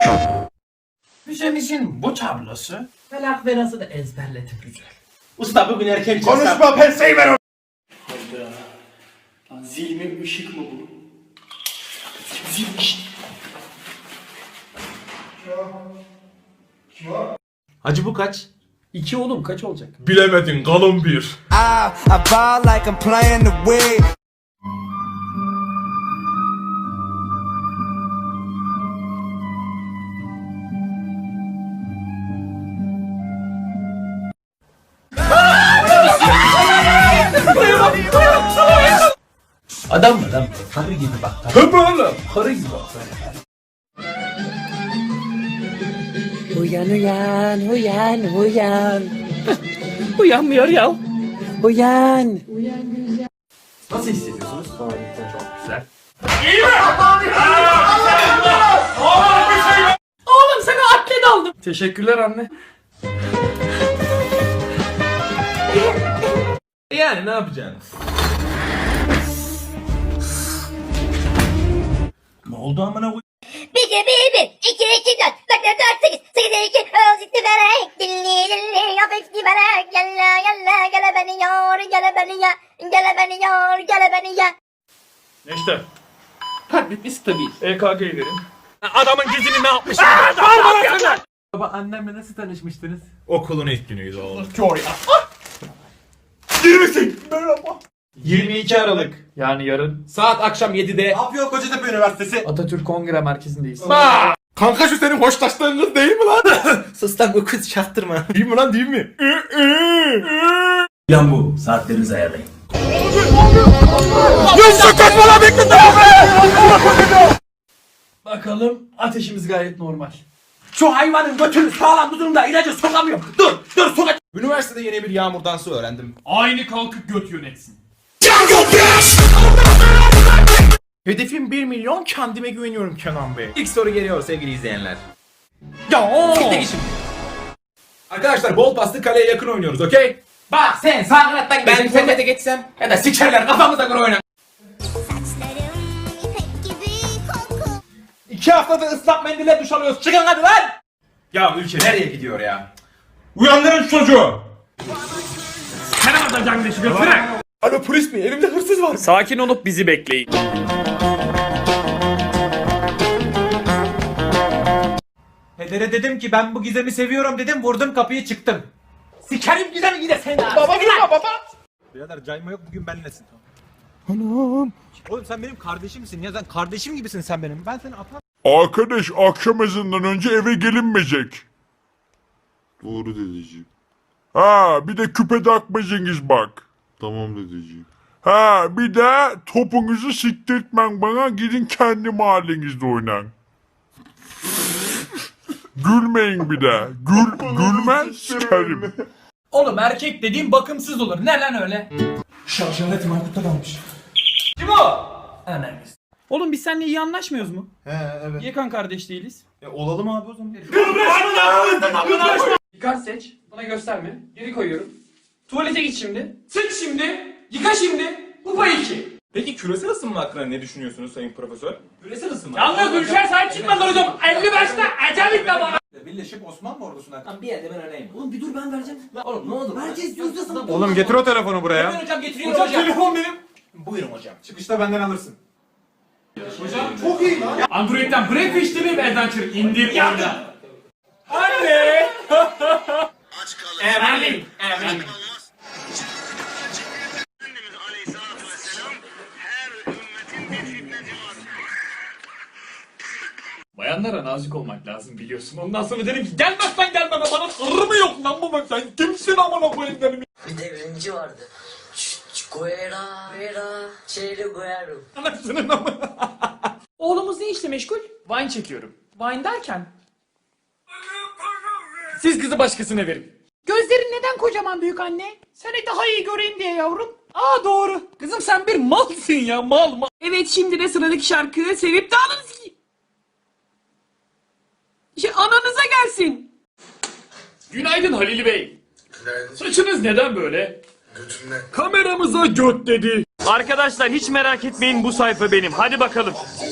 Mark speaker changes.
Speaker 1: Müzemizin bu tablosu Felak ve Naz'ı da ezberledim güzel.
Speaker 2: Usta bugün erken
Speaker 3: Konuşma penseyi ver.
Speaker 2: Hayda. Lan zil mi ışık mı bu? Zilmiş.
Speaker 3: Hacı bu kaç?
Speaker 1: 2 oğlum kaç olacak?
Speaker 3: Bilemedin, kalın bir.
Speaker 4: I ball like I'm playing the wig.
Speaker 1: Adam mı lan? Karı gibi bak.
Speaker 3: Tabii oğlum.
Speaker 1: Karı gibi bak.
Speaker 5: Uyan uyan uyan uyan.
Speaker 1: Uyanmıyor ya.
Speaker 5: Uyan.
Speaker 1: Nasıl hissediyorsunuz? Çok güzel. Oğlum sana atlet aldım. Teşekkürler anne.
Speaker 3: Yani ne yapacaksın?
Speaker 2: Ne oldu amına koy?
Speaker 6: 1 2 1 1 2 2 4 4 4 8 8 2 özgürlük vererek dilli dilli yapıştı vererek yalla yalla gele beni yor gele beni ya gele beni yor gele beni ya.
Speaker 3: İşte.
Speaker 1: Katletmesi tabii.
Speaker 3: EKG'yi verin. Adamın gizini ne yapmış?
Speaker 1: Baba annemle nasıl tanışmıştınız?
Speaker 3: Okulun ilk günüydü oğlum.
Speaker 2: 22 Aralık.
Speaker 1: Yani yarın
Speaker 3: Saat akşam 7'de.
Speaker 2: Ne yapıyor Kocatepe Üniversitesi?
Speaker 1: Atatürk Kongre Merkezi'ndeyiz.
Speaker 3: Kanka şu senin hoşlaştığın kız değil mi lan?
Speaker 2: Sus lan bu kız çaktırma.
Speaker 3: Değil mi lan, değil mi?
Speaker 2: Plan bu. Saatlerinizi ayarlayın.
Speaker 1: Bakalım ateşimiz gayet normal.
Speaker 2: Şu hayvanın götünü sağlam durumda ilacı sokamıyorum. Dur sokacağım.
Speaker 3: Üniversitede yeni bir yağmur dansı öğrendim.
Speaker 1: Aynı kalkıp göt yönetsin.
Speaker 3: Hedefim 1 milyon, kendime güveniyorum Kenan Bey. İlk soru geliyor sevgili izleyenler. Arkadaşlar bol paslı kaleye yakın oynuyoruz, okey?
Speaker 2: Bak sen sağ kanattan
Speaker 3: Ben forvete geçsem ya da sikerler kafamıza göre oynar.
Speaker 6: Saçlarım ipek gibi koku.
Speaker 2: 2 haftadır ıslak mendille duş alıyoruz. Çıkın hadi lan.
Speaker 3: Ya ülke nereye gidiyor ya?
Speaker 2: Uyandırın çocuğu.
Speaker 3: Alo polis mi? Elimde hırsız var.
Speaker 7: Sakin olup bizi bekleyin.
Speaker 2: Pedere dedim ki ben bu Gizem'i seviyorum dedim, vurdum kapıyı çıktım. Sikerim Gizem'i yine sen abi. Baba gitme baba. Birader cayma yok, bugün benlesin. Anam. Oğlum sen benim kardeşimsin ya, sen kardeşim gibisin sen benim. Ben seni atam.
Speaker 8: Arkadaş akşam ezanından önce eve gelinmeyecek. Doğru dedeciğim. Ha bir de küpe takmayacaksınız bak. Tamam dedeciğim. Ha bir de topunuzu siktirtmen bana, gidin kendi mahallenizde oynayın. Gülmeyin bir de. Gülme sikerim.
Speaker 1: Oğlum erkek dediğin bakımsız olur. Ne lan öyle?
Speaker 2: Şarjaletim Aykut'ta kalmış.
Speaker 1: Kim o? Anamız.
Speaker 7: Oğlum biz seninle iyi anlaşmıyoruz mu? Evet. Niye kan kardeş değiliz?
Speaker 2: Olalım abi o zaman.
Speaker 7: Dikkat seç. Bana gösterme. Geri koyuyorum. Tuvalete git şimdi. Sıç şimdi. Yıka şimdi. Bu pay 2.
Speaker 3: Peki küresel ısınma hakkında ne düşünüyorsunuz sayın profesör?
Speaker 2: Küresel ısınma.
Speaker 7: Yalnız ülker sahip çıkmadı hocam. 50 başta ecel bana.
Speaker 2: Birleşip Osmanlı ordusuna.
Speaker 1: Lan bir yerde ben öyleyim. Oğlum bir dur ben vereceğim. Lan oğlum ne olur. Herkes yüzdesine.
Speaker 3: Oğlum getir o telefonu buraya.
Speaker 2: Hemen hocam getiriyorum hocam.
Speaker 3: Telefon benim.
Speaker 2: Buyurun hocam.
Speaker 3: Çıkışta benden alırsın.
Speaker 7: Android'den Breakfast'ini ve Adventure indir. Yardım. Anne. Emin. Emin. Bayanlara nazik olmak lazım biliyorsun. Ondan sonra dedim ki gelmezsen gelme, bana sırrı mı yok lan bu, sen kimsin amına koyayım dedim.
Speaker 5: Bir de ürüncü vardı. Guera, Çeyli Guero.
Speaker 7: Anasının amına. Oğlumuz ne işle meşgul? Wine çekiyorum. Wine derken? Siz kızı başkasına verin. Gözlerin neden kocaman büyük anne? Seni daha iyi göreyim diye yavrum. Aa doğru. Kızım sen bir malsın ya, mal. Evet, şimdi de sıradaki şarkı sevip de ananızı... ananıza gelsin. Günaydın Halil Bey.
Speaker 8: Günaydın.
Speaker 7: Saçınız neden böyle?
Speaker 8: Götümle.
Speaker 7: Kameramıza göt dedi. Arkadaşlar hiç merak etmeyin, bu sayfa benim. Hadi bakalım.